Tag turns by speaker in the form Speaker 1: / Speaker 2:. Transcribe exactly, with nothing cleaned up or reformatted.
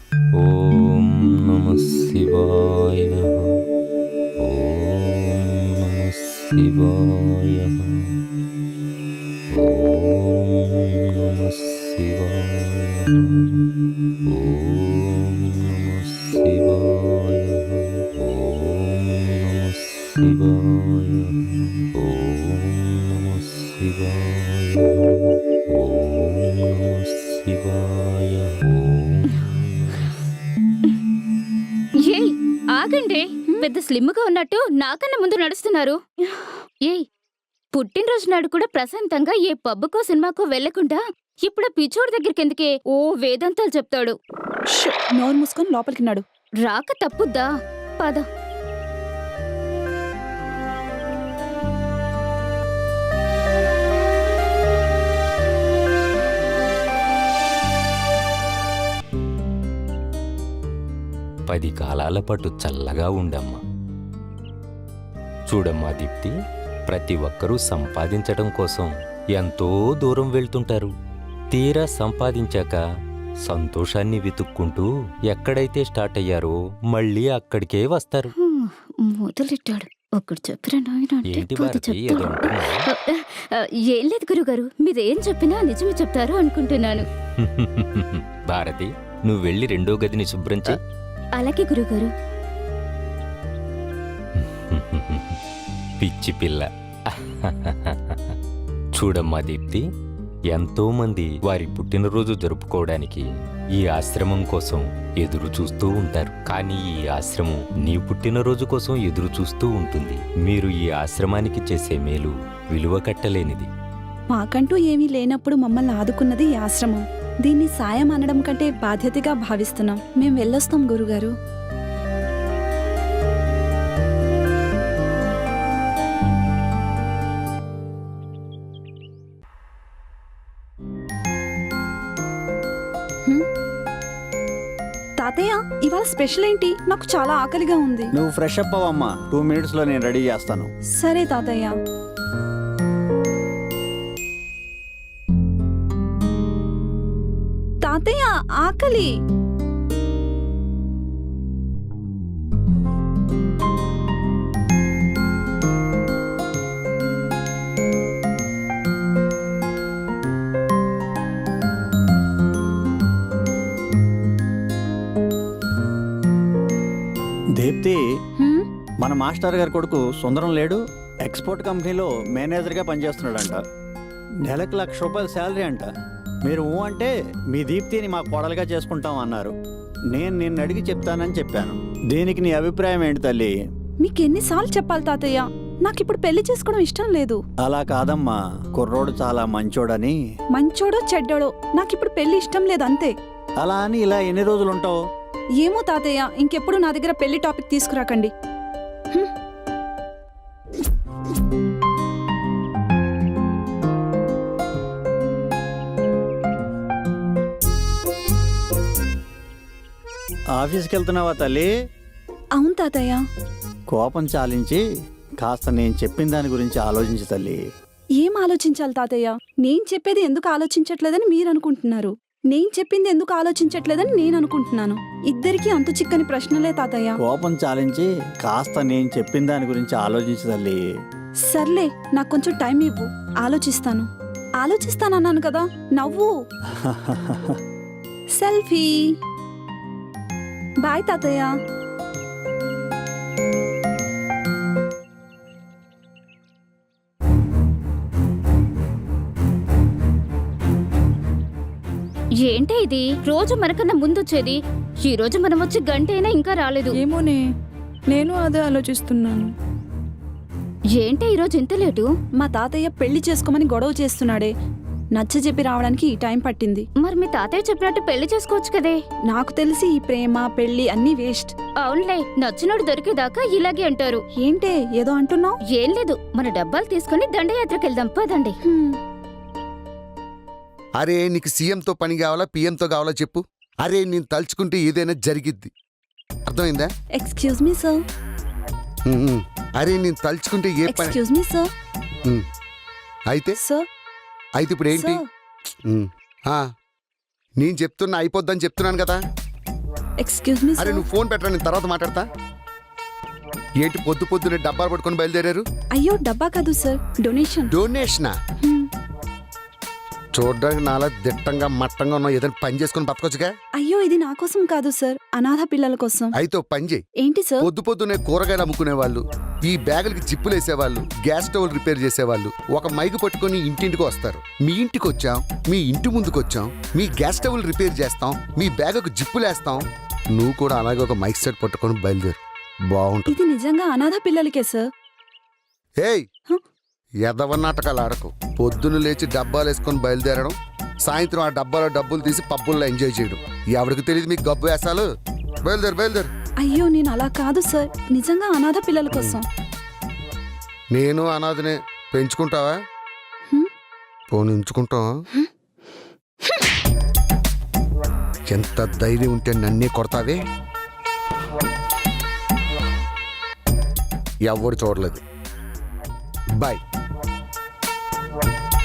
Speaker 1: ఓం నమః శివాయ. ఓం నమః శివాయ. ఓం నమః శివాయ. ఓం నమః శివాయ. ఓం నమః శివాయ. ఓం నమః శివాయ. ఓం నమః శివాయ.
Speaker 2: ఏయ్ ఆగండి, పెద్ద స్లిమ్ గా ఉన్నట్టు నాకన్నా ముందు నడుస్తున్నారు. ఏయ్ పుట్టినరోజు నాడు కూడా ప్రశాంతంగా ఏ పబ్బుకో సినిమాకో వెళ్లకుండా ఇప్పుడు పిచ్చోడి దగ్గరికి ఎందుకే ఓ వేదాంతాలు చెప్తాడు.
Speaker 3: ష్, నోరు మూసుకొని లోపలికి నాడు.
Speaker 2: రాక తప్పుద్దా? పద.
Speaker 1: పది కాలాల పాటు చల్లగా ఉండమ్మా. చూడమ్మా దీప్తి, ప్రతి ఒక్కరూ సంపాదించడం కోసం ఎంతో దూరం వెళ్తుంటారు. తీరా సంపాదించాక సంతోషాన్ని వెతుక్కుంటూ ఎక్కడైతే స్టార్ట్ అయ్యారో మళ్ళీ అక్కడికే వస్తారు.
Speaker 2: హ్మ్, మొదలెట్టాడు. ఒక్కడు చెప్పిరా నాయన అంటే
Speaker 1: ఏంటి
Speaker 2: పది
Speaker 1: భారతి,
Speaker 2: చెప్తాడు.
Speaker 1: ఏదో అంటున్నావ్?
Speaker 2: ఆ, ఏం లేదు గురుగారు, మీరేం చెప్పినా నిజమే చెప్తారు అనుకుంటున్నాను.
Speaker 1: భారతి, నువ్వు వెళ్ళి రెండో గదిని శుభ్రం చేయి.
Speaker 2: అలాగే గురుగారు.
Speaker 1: పిచ్చి పిల్ల. చూడమ్మా దీప్తి, ఎంతో మంది వారి పుట్టినరోజు జరుపుకోవడానికి ఈ ఆశ్రమం కోసం ఎదురు చూస్తూ ఉంటారు. కానీ ఈ ఆశ్రమం నీ పుట్టినరోజు కోసం ఎదురు చూస్తూ ఉంటుంది. మీరు ఈ ఆశ్రమానికి చేసే మేలు విలువ కట్టలేనిది.
Speaker 3: మాకంటూ ఏమీ లేనప్పుడు మమ్మల్ని ఆదుకున్నది ఈ ఆశ్రమం. దీన్ని సాయం అనడం కంటే బాధ్యతగా భావిస్తున్నాం. మేం వెళ్ళొస్తాం గురుగారు. హ్మ్? తాతయ్య, ఇవాళ స్పెషల్ ఏంటి? నాకు చాలా ఆకలిగా ఉంది.
Speaker 4: నువ్వు ఫ్రెష్ అప్ అవ్వమ్మా, టూ మినిట్స్ లో నేను రెడీ చేస్తాను.
Speaker 3: సరే తాతయ్య. తాతయ్య ఆకలి.
Speaker 4: దీప్తి,
Speaker 3: హ్మ్?
Speaker 4: మన మాస్టర్ గారి కొడుకు సుందరం లేడు, ఎక్స్పోర్ట్ కంపెనీలో మేనేజర్గా పనిచేస్తున్నాడంట. నెలకు లక్ష రూపాయల శాలరీ అంట. మీరు ఊ అంటే మీ దీప్తిని మా కోడలుగా చేసుకుంటాం అన్నారు. నేను నిన్ను అడిగి చెప్తానని చెప్పాను. దీనికి నీ అభిప్రాయం ఏంటి తల్లి?
Speaker 3: మీకెన్నిసార్లు చెప్పాలి తాతయ్య, నాకిప్పుడు పెళ్లి చేసుకోవడం ఇష్టం లేదు.
Speaker 4: అలా కాదమ్మా, కుర్రోడు చాలా మంచోడని.
Speaker 3: మంచోడో చెడ్డోడో నాకిప్పుడు పెళ్లి ఇష్టం లేదు, అంతే.
Speaker 4: అలా అని ఇలా ఎన్ని రోజులు ఉంటావు?
Speaker 3: ఏమో తాతయ్య, ఇంకెప్పుడు నా దగ్గర పెళ్లి టాపిక్ తీసుకురాకండి. హ్మ్.
Speaker 4: ఆఫీస్కి వెళ్తున్నావా తల్లి?
Speaker 3: అవును తాతయ్య.
Speaker 4: కోపం చాలించి కాస్త నేను చెప్పిన దాని గురించి ఆలోచించు తల్లి.
Speaker 3: ఏం ఆలోచించాలి తాతయ్య? నేను చెప్పేది ఎందుకు ఆలోచించట్లేదని మీరు అనుకుంటున్నారు, నేను చెప్పింది ఎందుకు ఆలోచించట్లేదని నేను అనుకుంటున్నాను. ఇద్దరికీ అంతు చిక్కని ప్రశ్నలే తాతయ్య.
Speaker 4: కోపం చాలించి కాస్త నేను చెప్పిన దాని గురించి ఆలోచించు తల్లి.
Speaker 3: సర్లే, నాకు కొంచెం టైం ఇవ్వు, ఆలోచిస్తాను. ఆలోచిస్తానన్నాను కదా, నవ్వు. సెల్ఫీ. బాయ్ తాతయ్య.
Speaker 2: ఏంటే ఇది, రోజు మనకన్నా ముందొచ్చేది? ఈ రోజు మనం వచ్చి గంట అయినా ఇంకా రాలేదు.
Speaker 5: ఏమోనే, నేను అదే ఆలోచిస్తున్నాను.
Speaker 2: ఏంటే ఈరోజు ఇంత లేటు?
Speaker 3: మా తాతయ్య పెళ్లి చేసుకోమని గొడవ చేస్తున్నాడే, నచ్చ చెప్పి రావడానికి ఈ టైం పట్టింది.
Speaker 2: మరి మీ తాతయ్య చెప్పినట్టు పెళ్లి చేసుకోవచ్చు కదే.
Speaker 3: నాకు తెలిసి ఈ ప్రేమ పెళ్లి అన్నీ వేస్ట్.
Speaker 2: అవునులే, నచ్చినోడు దొరికేదాకా ఇలాగే అంటారు.
Speaker 3: ఏంటే ఏదో అంటున్నావు?
Speaker 2: ఏం లేదు, మన డబ్బాలు తీసుకుని దండయాత్రకు వెళ్దాం పదండి.
Speaker 6: అరే నీకు సీఎంతో పని కావాలా పిఎంతో కావాలా చెప్పు. అరే నేను తలుచుకుంటే ఏదైనా జరిగిద్ది, అర్థమైందా?
Speaker 3: Excuse me sir.
Speaker 6: ఉమ్, అరే నేను తలుచుకుంటే ఏ పని.
Speaker 3: Excuse me sir.
Speaker 6: ఉమ్, అయితే
Speaker 3: సార్
Speaker 6: అయితే ఇప్పుడు ఏంటి?
Speaker 3: సార్.
Speaker 6: ఉమ్, ఆ, నేను చెప్తున్నా అయిపోద్దని చెప్తున్నాను కదా.
Speaker 3: ఎక్స్క్యూజ్ మీ
Speaker 6: అరే నువ్వు ఫోన్ పెట్టరా, నేను తర్వాత మాట్లాడతా. ఏంటి పొద్దు పొద్దునే డబ్బాలు పట్టుకొని బయలుదేరారు?
Speaker 3: అయ్యో డబ్బా కాదు సార్, డొనేషన్.
Speaker 6: డొనేషనా? చూడడానికి నాలా దిట్టంగా మట్టంగా ఉన్న ఏదైనా పని చేసుకుని బతకొచ్చుగా.
Speaker 3: అయ్యో ఇది నా కోసం కాదు సార్, అనాథ పిల్లల కోసం.
Speaker 6: అయితే ఓ పని చేయి.
Speaker 3: ఏంటి సార్?
Speaker 6: పొద్దు పొద్దునే కూరగాయలు అమ్ముకునే వాళ్ళు, ఈ బ్యాగులకి జిప్పులు వేసేవాళ్ళు, గ్యాస్ స్టవ్ రిపేర్ చేసేవాళ్ళు ఒక మైకు పట్టుకొని ఇంటింటికి వస్తారు. మీ ఇంటికి వచ్చాం, మీ ఇంటి ముందుకు వచ్చాం, మీ గ్యాస్ స్టవ్లు రిపేర్ చేస్తాం, మీ బ్యాగుకు జిప్పులు వేస్తాం. నువ్వు కూడా అలాగే ఒక మైక్ సెట్ పట్టుకొని బయలుదేరు, బాగుంటుంది.
Speaker 3: ఇది నిజంగా అనాథ పిల్లలకే సార్.
Speaker 6: ఏయ్
Speaker 3: హ?
Speaker 6: ఎదవ నాటకాలు ఆడకు. పొద్దున లేచి డబ్బాలు వేసుకొని బయలుదేరడం, సాయంత్రం ఆ డబ్బాలో డబ్బులు తీసి పబ్బుల్లో ఎంజాయ్ చేయడం. ఎవరికి తెలియదు మీకు గబ్బు వేసాలు. బయలుదేరు బయలుదేరు.
Speaker 3: అయ్యో నేను అలా కాదు సార్, నిజంగా అనాథ పిల్లల కోసం.
Speaker 6: నేను అనాథనే. పెంచుకుంటావా?
Speaker 3: హ్మ్?
Speaker 6: పోనీ ఉంచుకుంటావా? ఎంత ధైర్యం ఉంటే నన్నే కొడతావే. ఎవరు చూడలేదు. బాయ్.